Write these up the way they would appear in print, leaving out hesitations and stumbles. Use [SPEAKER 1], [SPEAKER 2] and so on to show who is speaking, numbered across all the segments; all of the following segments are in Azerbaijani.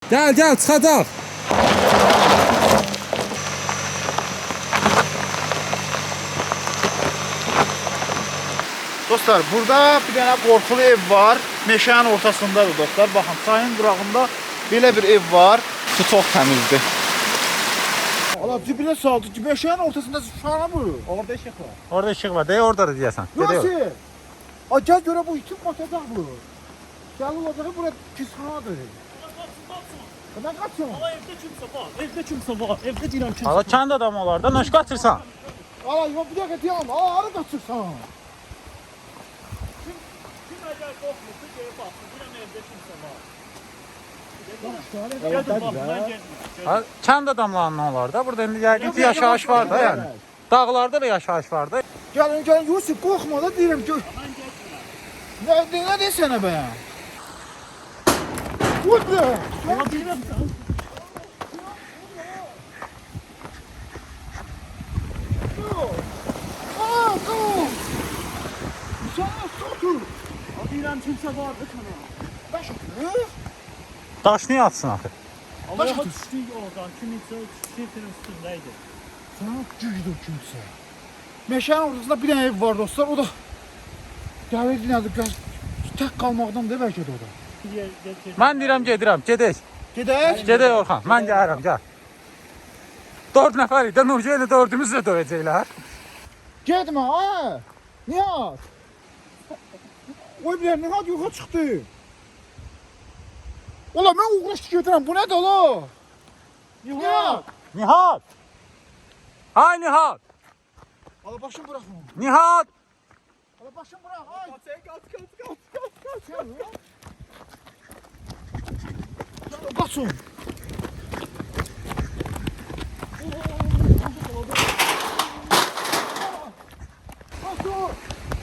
[SPEAKER 1] Gel gel çıxacaq.
[SPEAKER 2] Dostlar, burada bir tane qorxulu ev var. Meşənin ortasındadır dostlar. Baxın, çayın qırağında belə bir ev var.
[SPEAKER 3] Su çox təmizdir.
[SPEAKER 2] Allah cibinə saldı. Meşənin ortasında şana bu.
[SPEAKER 3] Orada işıq var.
[SPEAKER 1] Orada işıq var. Deyə oradadır deyəsən.
[SPEAKER 2] Nasıl? Ay gel göre bu itim batacaq bu. Gel olacağı buraya kisanadır. Ben kaçıyorum.
[SPEAKER 4] Ama evde kimse var. Evde kimse var. Evde deyirəm kimse
[SPEAKER 1] Ala
[SPEAKER 4] var.
[SPEAKER 1] kənd adamı olar da nəş qaçırsan?
[SPEAKER 2] Allah yok bir dakika diyem. Aa arı kaçırsan.
[SPEAKER 4] Kim əgər qorxmursa gəlib baxsın. Deyirəm evde kimse var.
[SPEAKER 2] Evet,
[SPEAKER 4] Gedin baxın, mən getmirəm.
[SPEAKER 1] Ha, kənd adamlarının olar da. Burada indi yəqin ki yaşayış var da yəni. Dağlarda da yaşayış var da.
[SPEAKER 2] Gelin Yusuf korkma da diyelim ki. Ne desene be? Vur be.
[SPEAKER 4] Ama deyirəm
[SPEAKER 2] Aa, dur. Sana sotur.
[SPEAKER 4] deyirəm kimse var da sana.
[SPEAKER 2] Baş atıyor.
[SPEAKER 1] Daş niyə atsın axı?
[SPEAKER 4] Ama daha düşdük oradan. Kiminsə şirketin üstündəydi.
[SPEAKER 2] Sana gücdür kimse. Meşənin ortasında bir tane ev var dostlar. O da gəlirdi nədir? Tək qalmaqdan da bəlkə də o da.
[SPEAKER 1] Mən deyirəm gedirəm, gedək.
[SPEAKER 2] Gedək.
[SPEAKER 1] Gedək Orxan, mən gəlirəm, gəl. 4 nəfər idi, Nurca ilə 4-ümüz də döyəcəklər.
[SPEAKER 2] Getmə ha. Nihat. Oy bilir Nihat yoxa çıxdı. Ola mən uğraşdı gedirəm. Bu nədir ola? Nihat.
[SPEAKER 1] Nihat! Ay Nihat!
[SPEAKER 2] Ala başım bırakma.
[SPEAKER 1] Nihat!
[SPEAKER 2] Ala başım bırak. Ay. Kaç. Kaçın. Kaçın.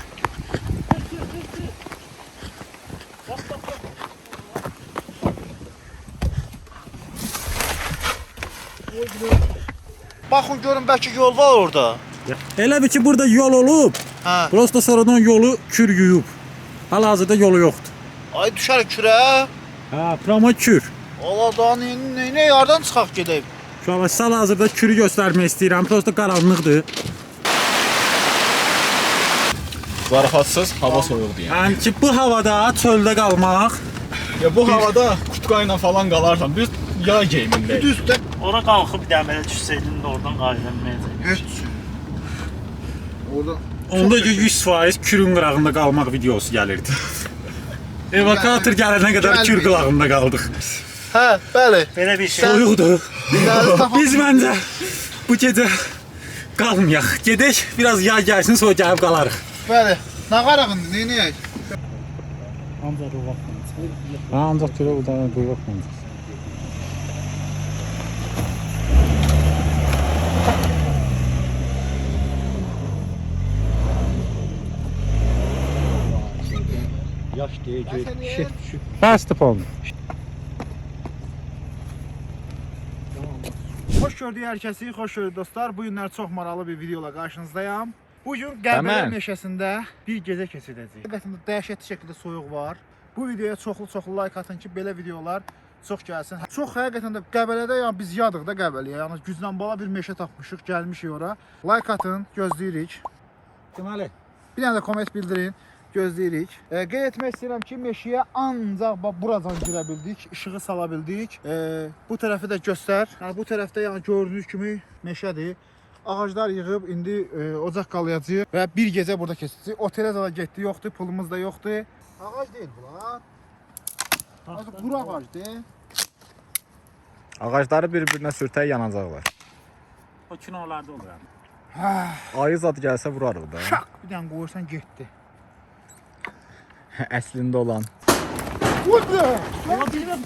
[SPEAKER 2] Baxın görün bəlkə yol var orada.
[SPEAKER 1] Elə bir ki burada yol olub,
[SPEAKER 2] Hə.
[SPEAKER 1] prosta sonradan yolu kür yuyub. Hal-hazırda yolu yoxdur.
[SPEAKER 2] Ay düşər kürə.
[SPEAKER 1] Ha, prama kür.
[SPEAKER 2] Allah da nə yardan çıxaq gedək.
[SPEAKER 1] Şu an hal-hazırda kürü göstərmək istəyirəm, prosta qaranlıqdır.
[SPEAKER 3] Zarafatsız, hava soyuqdur yəni.
[SPEAKER 1] Yəni ki bu havada çöldə qalmaq,
[SPEAKER 3] Ya bu havada kutkayla falan qalarsan, biz yay geyimindəyik.
[SPEAKER 2] Düzdür.
[SPEAKER 4] Ora qalxıb dəmələ düşsəydin də oradan qayıdılmayacaq.
[SPEAKER 2] Heç. Orada
[SPEAKER 1] onda 100% kürün qırağında qalmaq videosu gəlirdi. Evakuator gələnə qədər kür qırağında qaldıq.
[SPEAKER 2] Hə, bəli.
[SPEAKER 4] Belə bir şey.
[SPEAKER 1] Soyuqdur.
[SPEAKER 2] Biz
[SPEAKER 1] Biz məncə bu gecə qalmayaq. Gedək, biraz yay gəlsin, sonra gəlib qalarıq.
[SPEAKER 2] bəli. Nə qarağındır, nə edək?
[SPEAKER 4] Ancaq o vaxt.
[SPEAKER 1] Ancaq görə bu da quyruq məncə.
[SPEAKER 3] Yaş deyəcək, şef düşüb.
[SPEAKER 1] Bəsdir pon.
[SPEAKER 2] Xoş gördük hər kəsi, xoş gördük dostlar. Bu günlər çox maraqlı bir videola qarşınızdayam. Bugün Qəbələ
[SPEAKER 3] Tamam.
[SPEAKER 2] meşəsində bir gecə keçirəcəyik. Həqiqətən də dəhşətli şəkildə soyuq var. Bu videoya çoxlu like atın ki, belə videolar çox gəlsin. Çox həqiqətən də Qəbələdə yəni biz yadıq da Qəbələyə. Yəni güclə bala bir meşə tapmışıq, gəlmişik ora. Like atın, gözləyirik.
[SPEAKER 1] Deməli,
[SPEAKER 2] Bir dənə də komment bildirin, gözləyirik. Qeyd etmək istəyirəm ki, meşəyə ancaq bax buradan girə bildik, işığı sala bildik. Bu tərəfi də göstər. Yəni bu tərəfdə yəni gördüyünüz kimi meşədir. Ağaclar yığıb indi ocaq qalayacağıq və bir gecə burada keçəcəyik. Otelə də getdi, yoxdur, pulumuz da yoxdur. Ağac deyil bunlar. Azı quru ağacdır.
[SPEAKER 3] Ağacları bir-birinə sürtək yanacaqlar.
[SPEAKER 1] o kinolarda olur yəni.
[SPEAKER 3] Ayı zad gəlsə vurarıq da.
[SPEAKER 2] Şaq bir dənə qoyursan getdi.
[SPEAKER 3] Əslində olan.
[SPEAKER 2] Vurdu!
[SPEAKER 4] Ama deyirəm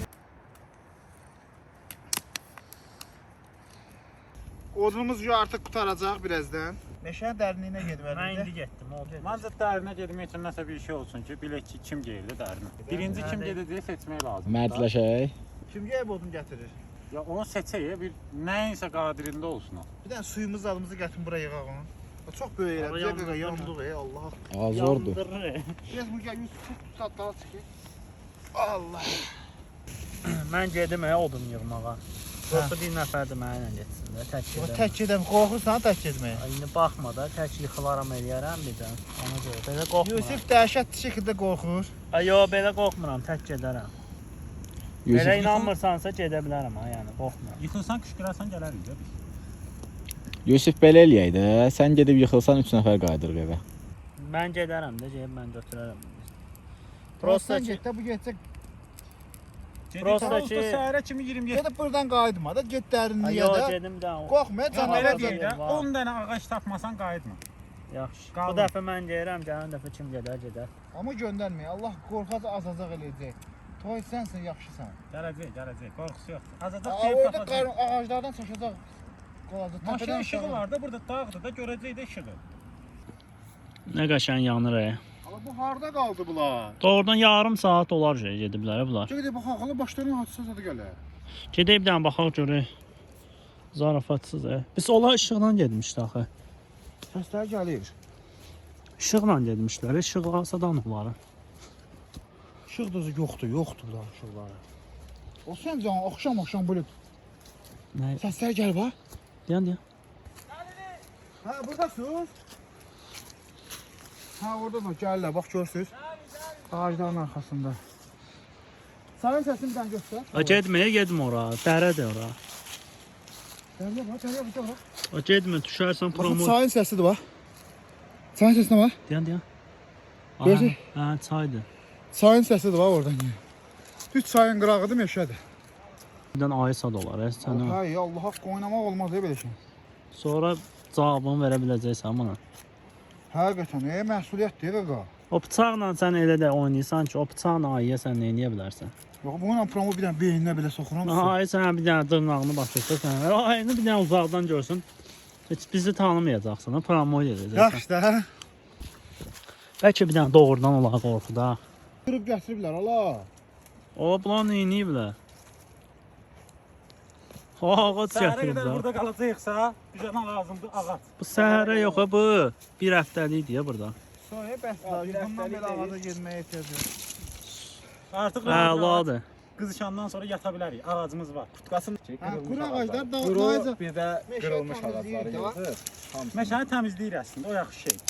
[SPEAKER 2] Odunumuz artıq qutaracaq birazdan. Meşənin dərinliyinə
[SPEAKER 4] mən
[SPEAKER 2] getməlidir.
[SPEAKER 4] indi getdim. O dedi.
[SPEAKER 1] Məncə dərinə getmək üçün nəsə bir şey olsun ki, bilək ki, kim gəldi dərinə. Birinci kim gedəcəyi seçmək lazımdır.
[SPEAKER 3] Mərdləşək.
[SPEAKER 2] Kim gəlib odun gətirir?
[SPEAKER 1] Ya onu seçək, bir nəyinsə qadirində olsun o.
[SPEAKER 2] Bir dənə suyumuz adımızı gətirin buraya yığaq onu. O çox böyük
[SPEAKER 4] Ara
[SPEAKER 2] elə. Bir dəqiqə
[SPEAKER 4] yandırır.
[SPEAKER 2] yandıq Allah.
[SPEAKER 3] Azordur.
[SPEAKER 4] Yandırır.
[SPEAKER 2] Biraz bu gəl Yusuf tut tatlara çıxır. Allah.
[SPEAKER 4] Mən gedim odun yığmağa. Yoxsa bir nəfər də mənimlə getsin də, tək
[SPEAKER 2] O
[SPEAKER 4] gedəm.
[SPEAKER 2] tək gedəm, qorxursan tək getməyə.
[SPEAKER 4] İndi baxma da, tək yıxılaram eləyərəm birdən. Ona görə belə qorxmuram.
[SPEAKER 2] Yusif dəhşətli şəkildə qorxur.
[SPEAKER 4] Ay, yox, belə qorxmuram, tək gedərəm. Belə inanmırsansa gedə bilərəm ha, yəni qorxmuram.
[SPEAKER 1] Yıxılsan, qışqırarsan gələrik də biz.
[SPEAKER 3] Yusif belə eləyək də. Sən gedib yıxılsan 3 nəfər qayıdırıq evə.
[SPEAKER 4] Mən gedərəm də, gedib mən götürərəm.
[SPEAKER 2] Prosta
[SPEAKER 4] Prosta ki,
[SPEAKER 2] get də bu getsə.
[SPEAKER 4] Prosta ki,
[SPEAKER 1] Səhərə kimi 27.
[SPEAKER 2] Gedib buradan qayıtma da, get dərinliyə
[SPEAKER 4] yox,
[SPEAKER 2] də.
[SPEAKER 4] gedim də.
[SPEAKER 2] Qorxma,
[SPEAKER 1] Belə
[SPEAKER 2] canavar
[SPEAKER 1] deyək də,
[SPEAKER 2] da.
[SPEAKER 1] 10 dənə ağac tapmasan qayıtma.
[SPEAKER 4] Yaxşı. Bu
[SPEAKER 1] Qalın.
[SPEAKER 4] dəfə mən deyirəm, gələn dəfə kim gedər.
[SPEAKER 2] Amma göndərməyə. Allah qorxaz azacaq eləyəcək. Toy sənsən, yaxşısan.
[SPEAKER 1] Gələcək, qorxusu yoxdur. Azacaq
[SPEAKER 2] Aa,
[SPEAKER 1] keyif
[SPEAKER 2] orada
[SPEAKER 1] tapacaq.
[SPEAKER 2] ağaclardan çaşacaq. Qolacaq.
[SPEAKER 1] Maşın işığı var da, burada dağdır da, görəcək də işığı.
[SPEAKER 4] Nə qəşəng yanır.
[SPEAKER 2] Amma bu harda qaldı bunlar?
[SPEAKER 4] Doğrudan yarım saat olar gediblər bunlar.
[SPEAKER 2] Gedib bax, ağlı başlarına atsa da gələr.
[SPEAKER 4] Gedib bir dənə baxaq görək. Zarafatsız. Biz onlar işıqla getmişdik axı.
[SPEAKER 2] Səslər gəlir.
[SPEAKER 4] İşıqla getmişlər. İşıq alsadan onları.
[SPEAKER 2] İşıq düzü yoxdur bunlar işıqları. O sən can axşam bulub.
[SPEAKER 4] Nə?
[SPEAKER 2] Səslər gəlir bax.
[SPEAKER 4] Deyən.
[SPEAKER 2] Hə, buradasınız. Hə, orada da gəlirlər, bax görsünüz. Ağacların arxasında. Sənin səsini bir dənə göstər.
[SPEAKER 4] Getmə ora. Dərədir ora.
[SPEAKER 2] Gəlir bax.
[SPEAKER 4] Getmə, düşərsən
[SPEAKER 2] Baxın,
[SPEAKER 4] promo.
[SPEAKER 2] çayın səsidir bax. Çayın səsinə bax.
[SPEAKER 4] Deyən.
[SPEAKER 2] Görürsən?
[SPEAKER 4] Hə, çaydır.
[SPEAKER 2] Çayın səsidir bax oradan gəlir. Düz çayın qırağıdır, meşədir.
[SPEAKER 4] Birdən ayı sad olar. Sən o.
[SPEAKER 2] Hay Allah, haqqı oynamaq olmaz belə şey.
[SPEAKER 4] Sonra cavabını verə biləcəksən buna.
[SPEAKER 2] Həqiqətən, məsuliyyətdir qaqa.
[SPEAKER 4] O bıçaqla sən elə də oynayırsan ki, o bıçaqla ayıya sən nə edə bilərsən?
[SPEAKER 2] Yox, bununla promo bir dənə beyninə belə soxuram.
[SPEAKER 4] Ayı sən bir dənə dırnağını batırsan, ayını bir dənə uzaqdan görsün. Heç bizi tanımayacaqsan, promo edəcəksən.
[SPEAKER 2] Yaxşı da.
[SPEAKER 4] Bəlkə bir dənə doğrudan olar qorxuda.
[SPEAKER 2] Qırıb gətiriblər, ala.
[SPEAKER 4] O bunlar nə ediblər? Ağac
[SPEAKER 1] Səhərə qədər
[SPEAKER 4] gətiriblər.
[SPEAKER 1] burada qalacaqsa, bizə lazımdır ağac.
[SPEAKER 4] Bu səhərə yox bu. Bir həftəlikdir burada.
[SPEAKER 2] Sonra bəs bundan belə ağaca getməyə ehtiyac yox.
[SPEAKER 1] Artıq
[SPEAKER 4] Əladır.
[SPEAKER 1] qızışandan sonra yata bilərik. Ağacımız var.
[SPEAKER 3] Qutqasın
[SPEAKER 2] Quru ağaclar da
[SPEAKER 3] Quru bir də
[SPEAKER 2] Meşə
[SPEAKER 3] qırılmış
[SPEAKER 2] təmizləyir
[SPEAKER 3] ağacları
[SPEAKER 2] də.
[SPEAKER 3] yığır.
[SPEAKER 1] Meşəni təmizləyir əslində, o yaxşı şey.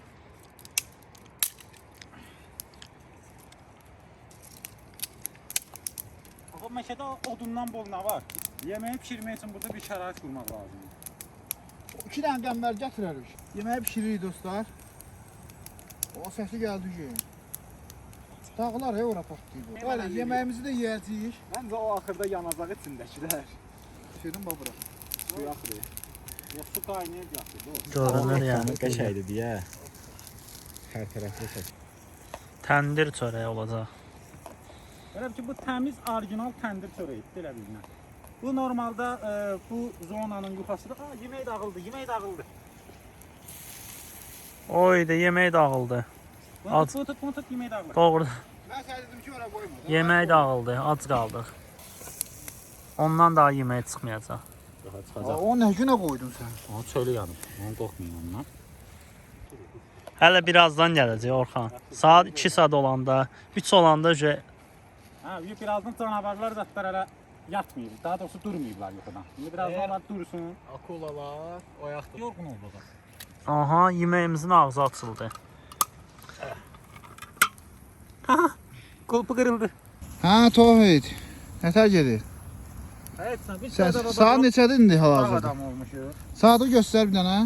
[SPEAKER 1] Bax, meşədə odundan bol nə var? Yeməyi pişirmək üçün burada bir şərait qurmaq lazımdır.
[SPEAKER 2] 2 dənə qəmbər gətirərik. Yeməyi bişiririk dostlar. O səsi gəldi ki. Dağlar ora partlayır. Bəli, yeməyimizi də yeyəcəyik.
[SPEAKER 3] Məncə o axırda yanacaq içindəkilər.
[SPEAKER 2] Şirin babura.
[SPEAKER 3] Suyu axırı.
[SPEAKER 1] Yox, su qaynayıb yaxşıdır.
[SPEAKER 4] Görünür yəni.
[SPEAKER 3] Qəşəngdir deyə. Hər tərəfli çək.
[SPEAKER 4] Təndir çörəyi olacaq.
[SPEAKER 1] Elə ki, bu təmiz, orijinal təndir çörəyidir, elə bilinə. Bu normalda bu zonanın yuxarısıdır. Yemək dağıldı.
[SPEAKER 4] Oy da yemək dağıldı.
[SPEAKER 1] Bunu tut, yemək dağılır.
[SPEAKER 4] Doğru.
[SPEAKER 2] Mən sənə dedim ki, ora qoyma.
[SPEAKER 4] Yemək dağıldı. Ac qaldıq. Ondan daha yemək çıxmayacaq.
[SPEAKER 1] Daha
[SPEAKER 2] Aa,
[SPEAKER 1] çıxacaq.
[SPEAKER 2] o nə günə qoydun sən?
[SPEAKER 1] O çölü yanıb. Onu qorxmayın ondan.
[SPEAKER 4] Hələ birazdan gələcək Orxan. Saat 2 saat olanda, 3 olanda
[SPEAKER 1] Hə, birazdan canavarlar zətlər hələ yatmayıb. Daha doğrusu durmayıblar yuxudan. İndi birazdan onlar dursun.
[SPEAKER 3] Akulalar oyaqdır.
[SPEAKER 1] Yorğun olduq.
[SPEAKER 4] aha yeməyimizin ağzı açıldı.
[SPEAKER 1] Qulpu qırıldı.
[SPEAKER 2] Hə, Tohid. Nətər gedir?
[SPEAKER 1] Heç nə, biz
[SPEAKER 2] Saat neçədir indi
[SPEAKER 1] Dağ
[SPEAKER 2] hal-hazırda?
[SPEAKER 1] adam olmuşuq.
[SPEAKER 2] Saatı göstər bir dənə.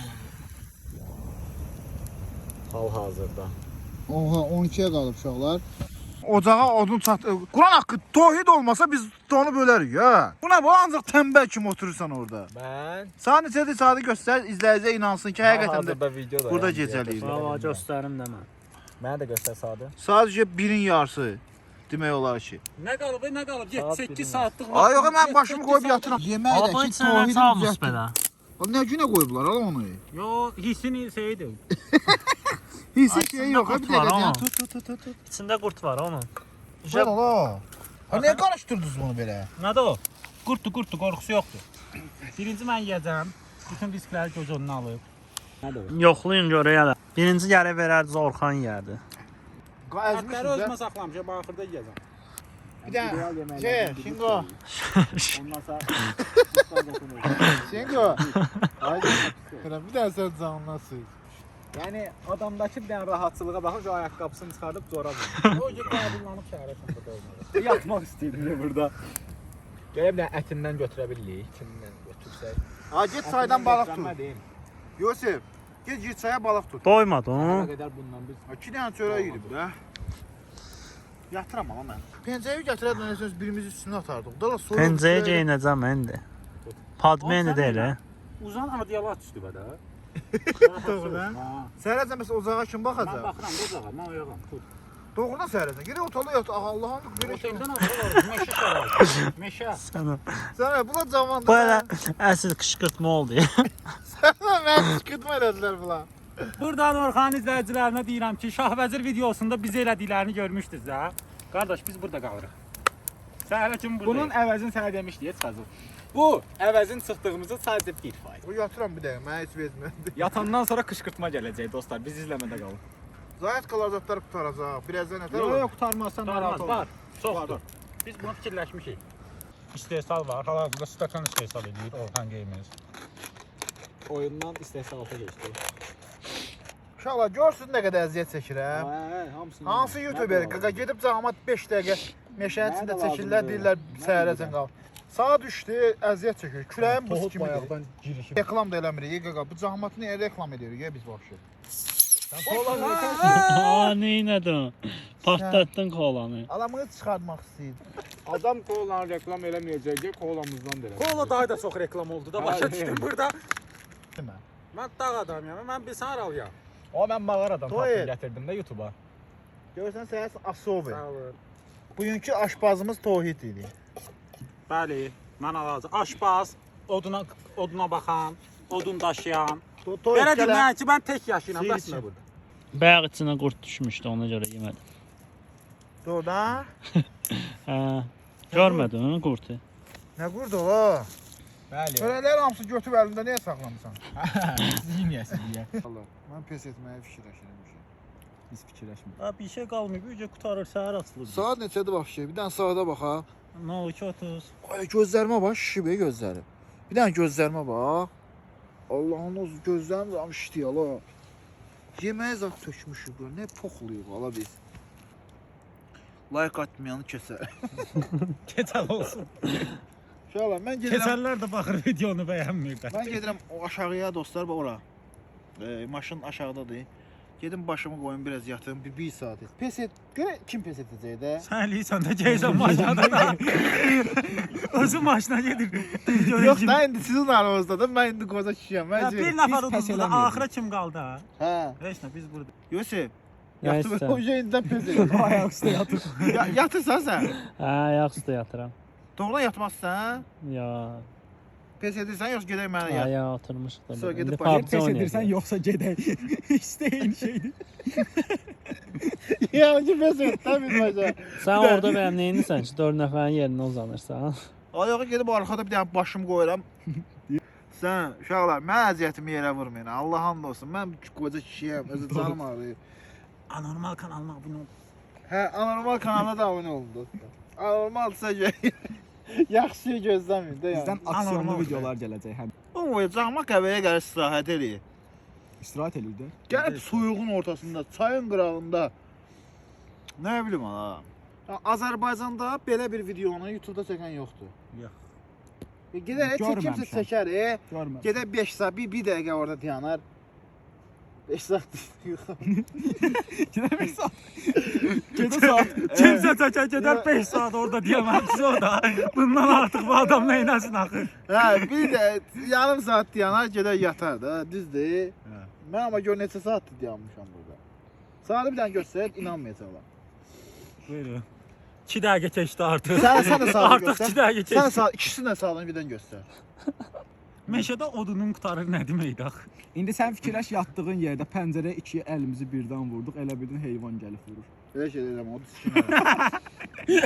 [SPEAKER 3] Hal-hazırda.
[SPEAKER 2] Oha, 12-yə qalıb uşaqlar. Ocağa odun çatdı. Quran haqqı Tohid olmasa biz onu bölərik, hə. Buna bu ancaq tənbəl kimi oturursan orada.
[SPEAKER 3] Mən
[SPEAKER 2] Saat neçədir? Saatı göstər, izləyicə inansın ki, həqiqətən də
[SPEAKER 3] videoda
[SPEAKER 2] burada gecəliyik.
[SPEAKER 4] Bravo, göstərim də mən.
[SPEAKER 3] Mənə də göstər sadə.
[SPEAKER 2] Sadəcə 1-in yarısı demək olar ki.
[SPEAKER 1] Nə qalıb, nə qalıb?
[SPEAKER 3] Saat
[SPEAKER 1] 7-8
[SPEAKER 3] bilməm.
[SPEAKER 1] saatlıq
[SPEAKER 2] Ay yox, mən başımı qoyub yatıram. Yemək
[SPEAKER 4] Aba
[SPEAKER 2] də ki,
[SPEAKER 4] içinə
[SPEAKER 2] Tohidin
[SPEAKER 4] çalmış
[SPEAKER 2] düzəltdi.
[SPEAKER 4] belə.
[SPEAKER 2] Nə günə qoyublar ala onu?
[SPEAKER 1] Yo, hissini şeydir.
[SPEAKER 2] Hissi
[SPEAKER 4] Ay,
[SPEAKER 2] şey yox,
[SPEAKER 4] içində
[SPEAKER 2] bir
[SPEAKER 4] qurt var,
[SPEAKER 2] dəqiqə.
[SPEAKER 4] amma.
[SPEAKER 2] Tut.
[SPEAKER 4] İçində qurt var onun.
[SPEAKER 2] Güzel ala. Ha niyə qarışdırdınız bunu belə?
[SPEAKER 1] Nədir o? Qurtdur, qorxusu yoxdur. Birinci mən yeyəcəm. Bütün riskləri göz önünə alıb. Nədir o?
[SPEAKER 4] Yoxlayın görək hələ. Birinci gəlib verərdiz Orxan yerdi.
[SPEAKER 1] Ətləri özümə saxlamışam, axırda yeyəcəm.
[SPEAKER 2] Bir de Şingo.
[SPEAKER 1] Olmasa
[SPEAKER 2] Şingo. Haydi. Bir daha sen canına sığ.
[SPEAKER 3] Yəni adamdakı bir dənə rahatçılığa baxın, o ayaqqabısını çıxardıb zora vurur.
[SPEAKER 1] o gün qəbullanıb şəhərə çatdı olmalı.
[SPEAKER 3] Yatmaq istəyirdim burada. Gələ bir dənə ətindən götürə bilirik, içindən götürsək.
[SPEAKER 2] Ha git çaydan balıq tut.
[SPEAKER 3] Götürmədim.
[SPEAKER 2] Yosif, git çaya balıq tut.
[SPEAKER 4] Doymadın.
[SPEAKER 3] Nə qədər bundan biz.
[SPEAKER 2] 2 dənə çörək yeyib də. Yatıram ama mən. Pencəyi gətirədən söz birimiz üstünə atardıq. Da sonra
[SPEAKER 4] Pencəyə geyinəcəm indi. Padmeni də elə.
[SPEAKER 1] Uzan adiyala düşdü bədə.
[SPEAKER 2] Doğrudan. Səhərəcən məsələn ocağa kim
[SPEAKER 1] Mən
[SPEAKER 2] baxacaq?
[SPEAKER 1] baxıram, qocağa, mən oyağam. Tut.
[SPEAKER 2] Doğrudan səhərəcən. Gedək otala yat. Allah'ım belə şey.
[SPEAKER 1] Oteldən alır, meşə şarabı. Meşə.
[SPEAKER 4] Sənə.
[SPEAKER 2] Sənə bula cavan.
[SPEAKER 4] Bu elə əsl qışqırtma oldu ya.
[SPEAKER 2] Sənə mən çıxıtma elədilər bula.
[SPEAKER 1] Buradan Orxan izləyicilərinə deyirəm ki, Şahvəzir videosunda biz elədiklərini görmüşdünüz də. Qardaş, biz burada qalırıq. Səhərə kimi buradayıq.
[SPEAKER 3] Bunun əvəzini sənə demişdik, çıxacaq. Bu əvəzin çıxdığımızı sadəcə 1%.
[SPEAKER 2] O yatıram bir dəqiqə. Mənə heç vermədi.
[SPEAKER 3] Yatandan sonra qışqırtma gələcək dostlar. Biz izləmədə qalın.
[SPEAKER 2] Zayət qalacaqlar qutaracaq. Birazdan nətər
[SPEAKER 3] Yox,
[SPEAKER 2] olur?
[SPEAKER 3] yox, qurtarmazsan narahat
[SPEAKER 1] Var,
[SPEAKER 3] olma.
[SPEAKER 1] var. Çoxdur. Biz bunu fikirləşmişik. İstehsal var. Hal-hazırda stakan istehsal edir Orxan Games.
[SPEAKER 3] Oyundan istehsalata keçdi.
[SPEAKER 2] İnşallah görsün nə qədər əziyyət çəkirəm.
[SPEAKER 3] Hamısını.
[SPEAKER 2] Hansı YouTuber qaqa gedib cəmaət 5 dəqiqə meşənin içində çəkirlər, deyirlər səhərəcən qal. Saat düşdü, əziyyət çəkir. Kürəyim buz kimi.
[SPEAKER 3] bayaqdan girişib.
[SPEAKER 2] Reklam da eləmirik qaqa. Bu cəmaəti niyə reklam edirik ya biz vəbşi?
[SPEAKER 4] Aa, neynədin? Partlatdın kolanı.
[SPEAKER 2] Alamını çıxartmaq istəyir.
[SPEAKER 3] Adam kolanı reklam eləməyəcək ki, kolamızdan da elə.
[SPEAKER 1] Kola daha da çox reklam oldu da. Başa düşdüm burada.
[SPEAKER 2] Demə.
[SPEAKER 1] Mən dağ adamıyam. Mən bilsən aralıyam.
[SPEAKER 3] O mən mağaradan
[SPEAKER 2] Toy.
[SPEAKER 3] tapdım, gətirdim də YouTube-a.
[SPEAKER 2] Görürsən səhər Asovi.
[SPEAKER 1] Sağ olun.
[SPEAKER 2] Bugünkü aşpazımız Tohid idi.
[SPEAKER 1] Bəli, mən alacağam. Aşpaz, oduna baxan, odun daşıyan.
[SPEAKER 2] Tohid
[SPEAKER 1] Belə deyim
[SPEAKER 2] gələ.
[SPEAKER 1] mən ki, mən tək yaşayıram.
[SPEAKER 2] Seyir
[SPEAKER 1] Bəs
[SPEAKER 2] üçün.
[SPEAKER 1] nə burada?
[SPEAKER 4] Bayaq içinə qurd düşmüşdü, ona görə yemədim.
[SPEAKER 2] Doğrudan.
[SPEAKER 4] Hə. Görmədin qurdu?
[SPEAKER 2] Nə qurdu o?
[SPEAKER 3] Bəli.
[SPEAKER 2] Çörəklər hamısı götüb əlində niyə saxlamısan?
[SPEAKER 3] Siz yeməyəsiz deyə.
[SPEAKER 2] Mən pes etməyə fikirləşirəm.
[SPEAKER 3] Biz fikirləşmirik.
[SPEAKER 1] Ha, bir şey qalmayıb. Ücə qutarır, səhər açılır.
[SPEAKER 2] Saat neçədir vəbşi? Bir dənə saata baxa.
[SPEAKER 1] No, 2:30.
[SPEAKER 2] Ay gözlərimə bax, şişib gözləri. Bir dənə gözlərimə bax. Allah'ın o gözlərim də işləyir ala. Yeməyə zat tökmüşük bura. Nə poxluyuq ala biz. Like atmayanı kəsər.
[SPEAKER 1] Keçəl olsun.
[SPEAKER 2] İnşallah mən gedirəm.
[SPEAKER 1] Keçəllər də baxır videonu bəyənmir də.
[SPEAKER 2] Mən gedirəm o aşağıya dostlar bax ora. Maşın aşağıdadır. Gedim başımı qoyum biraz yatım bir saat. Pes et. Görə kim pes edəcək də?
[SPEAKER 1] Sən eləyirsən də geysən maşına da. Özü maşına gedir.
[SPEAKER 2] Yox da indi sizin aranızdadır. Mən indi qoza kişiyəm. Mən
[SPEAKER 1] Bir nəfər uduzda axıra kim qaldı ha?
[SPEAKER 2] Hə.
[SPEAKER 1] Heç nə, biz burada.
[SPEAKER 2] Yusuf.
[SPEAKER 4] Nəysə.
[SPEAKER 2] Yatıb o şeyindən pes et.
[SPEAKER 3] Ayaq üstə yatır.
[SPEAKER 2] Yatırsan sən?
[SPEAKER 4] Hə, ayaq üstə yatıram.
[SPEAKER 2] Doğrudan yatmazsan?
[SPEAKER 4] Ya,
[SPEAKER 2] Pes edirsən yoxsa gedək mənə yat?
[SPEAKER 4] ayağa oturmuşuq da.
[SPEAKER 2] Sonra gedib
[SPEAKER 4] İndi
[SPEAKER 2] başqa
[SPEAKER 4] PUBG
[SPEAKER 3] Pes
[SPEAKER 4] oynayacağıq.
[SPEAKER 3] edirsən yoxsa gedək. İstəyin şeydir.
[SPEAKER 2] Ya ki pes et də biz başa.
[SPEAKER 4] Sən orada mənim neyinsən ki, 4 nəfərin yerinə uzanırsan?
[SPEAKER 2] Ayağa gedib arxada bir dənə başımı qoyuram. Sən uşaqlar, mən əziyyətimi yerə vurmayın. Allah hamd olsun. Mən qoca kişiyəm, özü canım ağrıyır.
[SPEAKER 1] Anormal kanalına abunə ol.
[SPEAKER 2] Hə, anormal kanalına da abunə olun dostlar. Anormalsa yaxşı gözləməyin də yəni.
[SPEAKER 3] Bizdən aksiyonlu
[SPEAKER 1] Anormal.
[SPEAKER 3] videolar gələcək həm.
[SPEAKER 2] Oyacağıma qəbəyə gəlir istirahət eləyir.
[SPEAKER 3] İstirahət eləyir də.
[SPEAKER 2] Gəlib soyuğun ortasında, çayın qırağında. Nə bilim ha. Azərbaycanda belə bir videonu YouTube-da çəkən yoxdur.
[SPEAKER 1] Yox.
[SPEAKER 2] Gedər heç kimsə
[SPEAKER 3] Görməmişəm.
[SPEAKER 2] çəkər,
[SPEAKER 3] Görmə.
[SPEAKER 2] Gedər 5 saat, bir dəqiqə orada dayanar. 5 saat yox.
[SPEAKER 3] Gedəmək saat. Gedə saat.
[SPEAKER 1] Kimsə çəkər gedər 5 saat orada deyəməz o da. Bundan artıq bu adam neynəsin axı?
[SPEAKER 2] Hə, bir də yarım saat dayanar, gedər yatar da, düzdür?
[SPEAKER 3] Hə.
[SPEAKER 2] Mən amma gör neçə saatdır dayanmışam burada. Saatı bir dənə göstər, inanmayacaqlar.
[SPEAKER 1] Buyurun. 2 dəqiqə keçdi artıq.
[SPEAKER 2] Sən də saatı
[SPEAKER 1] Artıq 2
[SPEAKER 2] göstər.
[SPEAKER 1] dəqiqə
[SPEAKER 2] Sən
[SPEAKER 1] keçdi.
[SPEAKER 2] saat ikisini də saatını birdən göstər.
[SPEAKER 1] Meşədə odunun qutarır nə deməkdir axı?
[SPEAKER 3] İndi sən fikirləş yatdığın yerdə pəncərəyə iki əlimizi birdən vurduq. Elə bildin heyvan gəlib vurur.
[SPEAKER 2] Belə şey deyirəm, o düşkün.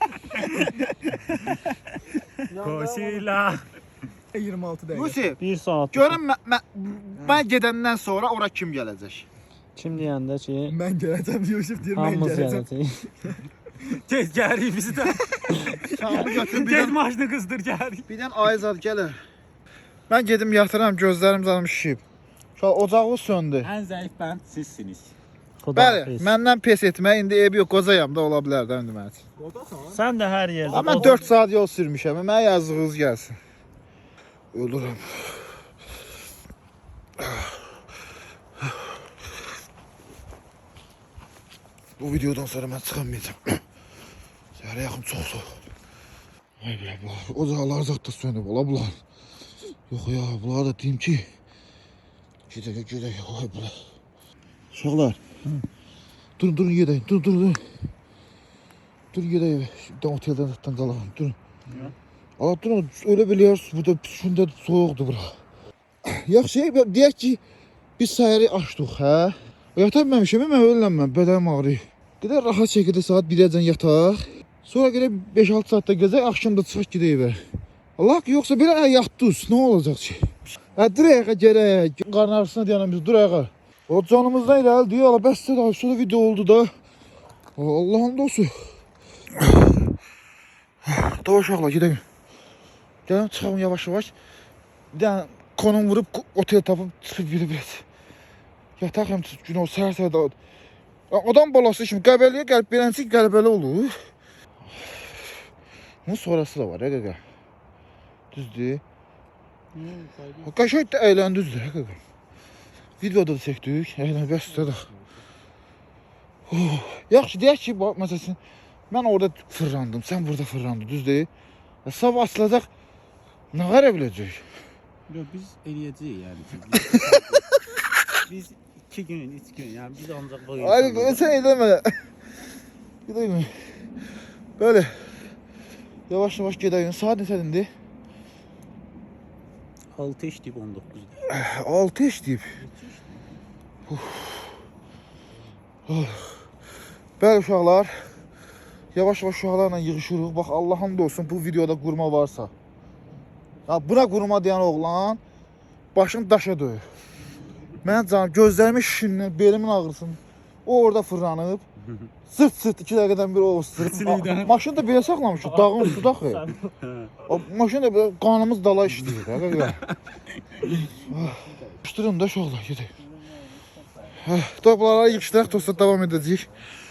[SPEAKER 1] Qosila.
[SPEAKER 3] 26 dəqiqə.
[SPEAKER 2] Yusuf,
[SPEAKER 4] 1 saat.
[SPEAKER 2] görün mən gedəndən sonra ora kim gələcək?
[SPEAKER 4] Kim deyəndə ki,
[SPEAKER 3] Mən gələcəm Yusuf deyir, mən
[SPEAKER 4] hamımız
[SPEAKER 3] gələcəm.
[SPEAKER 4] gələcəyik.
[SPEAKER 1] Tez gərik bizi də.
[SPEAKER 2] Şamı götür bir
[SPEAKER 1] Tez
[SPEAKER 2] dənə.
[SPEAKER 1] maşını qızdır gərik.
[SPEAKER 2] Bir dənə ayzad gələr. Mən gedim yatıram, gözlərim canım şişib. Uşaq ocağı söndü.
[SPEAKER 1] Ən zəif bənd sizsiniz.
[SPEAKER 2] Bəli, məndən pes etmək indi ev yox, qocayam da ola bilər də indi mənim üçün.
[SPEAKER 4] Sən də hər yerdə.
[SPEAKER 2] Amma 4 saat yol sürmüşəm, mənə yazığınız gəlsin. Ölürəm. Bu videodan sonra mən çıxamayacağam. Səhərə yaxın çox soğuk. Ay belə, ocaqlar zat da sönüb, ola bunlar. Yox ya, bunlar da deyim ki, gedək, ay belə. Uşaqlar, durun gedək, durun. Durun gedək, oteldən zatdan qalalım, durun. Allah durun, öyle biliyoruz, burada şimdi soğukdu bura. Yaxşı, deyək ki, biz səhəri açdıq, hə? Yata bilməmişəm, mən ölənməm, bədənim ağrıyır. Qədər rahat şəkildə saat 1-əcən yataq. Sonra görə 5-6 saatda gəzək, axşam da çıxaq gedək evə. Allah ki, yoxsa belə yatdız, nə olacaq ki? Hə, dur ayağa gərək, qarın arasına deyənəm biz, dur ayağa. O canımızdan irəli deyə, Allah bəs də sonra video oldu da. Allah'ın dostu. Daha uşaqlar, gedək. Gəlin, çıxalım yavaş-yavaş. Bir dənə konum vurub, otel tapıb, çıxıb bir-bir. Yataq həm gün o səhər-səhər da. Adam balası kimi qəbəliyə gəlib beləncə qələbəli olur. Bunun sonrası da var, qaqa. Düzdür. Qəşəng də əyləndiniz, qaqa. Videoda da çəkdik, əylən bəsdə də. Yaxşı, deyək ki, məsələn, mən orada fırlandım, sən burada fırlandın, düzdür. Sabah açılacaq, nə qələ biləcək?
[SPEAKER 1] Yox, biz eləyəcəyik yəni ki. Biz 2 gün, 3 gün, yəni biz ancaq bu
[SPEAKER 2] Ay, sən eləmə. Gedək. Böyle. Yavaş-yavaş gedək. Saat neçədir?
[SPEAKER 1] 6 işləyib 19.
[SPEAKER 2] 6 işləyib. Bəli uşaqlar. Yavaş-yavaş uşaqlarla yığışırıq. Bax Allah'ım da olsun bu videoda qurma varsa. Ya buna qurma deyən oğlan başını daşa döyür. Mən canım gözlərimin şişindən belimin ağrısın. O orada fırlanıb. Sırt 2 dəqiqədən bir o sırt. Maşını da belə saxlamışıq. Dağın üstündə axı. Maşın da belə qanımız dala işləyir. Yığışdırın da uşaqlar gedək. Toplara yığışdıraq, tosta davam edəcəyik.